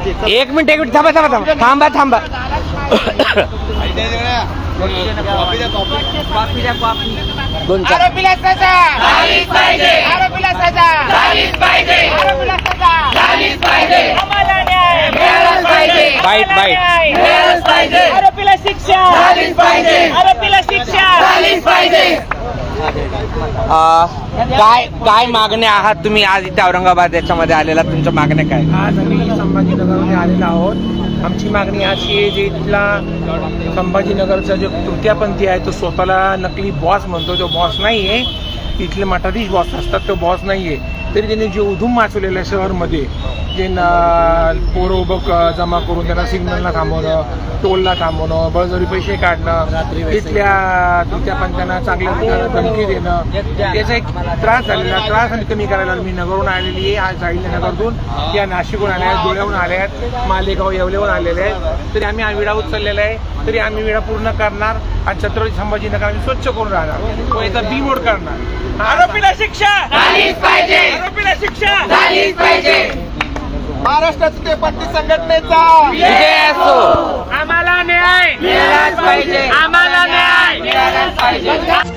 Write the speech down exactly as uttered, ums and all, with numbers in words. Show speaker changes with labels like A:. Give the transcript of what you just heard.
A: एक मिनिट एक मिनिट थांबा थांबा थांबा थांबा थांबा दोन चार
B: आरोपीला सजा झालीच पाहिजे, आरोपीला सजा झालीच पाहिजे, आरोपीला सजा झालीच पाहिजे, आम्हाला न्याय मिळालाच पाहिजे,
A: बाईट बाईट
B: मिळालाच पाहिजे, आरोपीला शिक्षा झालीच पाहिजे, आरोपीला शिक्षा झालीच पाहिजे.
A: काय काय मागण्या आहात तुम्ही आज इथे औरंगाबाद याच्यामध्ये आलेला, तुमच्या मागण्या काय?
C: आज आम्ही संभाजीनगरमध्ये आलेलो आहोत. आमची मागणी अशी आहे, जे इथला संभाजीनगरचा जो तृतीयपंथी आहे तो स्वतःला नकली बॉस म्हणतो, तो बॉस नाही आहे. इथले मठाधीश बॉस असतात, तो बॉस नाही आहे. तरी त्यांनी जे उधूम माचवलेलं आहे शहरमध्ये, जे न पोरं उभं जमा करून त्यांना सिग्नलला थांबवणं, टोलला थांबवणं, बळजबरी पैसे काढणं, तिथल्या तृतीयपंथ्यांना चांगल्या धमकी देणं, त्याचा एक त्रास झालेला त्रास आणि कमी करायला मी नगरहून आलेली आहे. आज अहिल्यानगरतून या नाशिकहून आल्या आहेत, धुळ्याहून आल्या आहेत, मालेगाव येवलेहून आलेले आहेत. तरी आम्ही हा विडा उचललेला आहे, तरी आम्ही विडा पूर्ण करणार आणि छत्रपती संभाजीनगर आम्ही स्वच्छ करून राहणार व याचा बीमोड करणार.
B: आरोपीला शिक्षा झालीच पाहिजे, आरोपीला शिक्षा झालीच पाहिजे.
C: महाराष्ट्र तृतीयपंथी संघटनेचा
A: विजय असो.
B: आम्हाला न्याय मिळालाच पाहिजे, आम्हाला न्याय मिळालाच पाहिजे.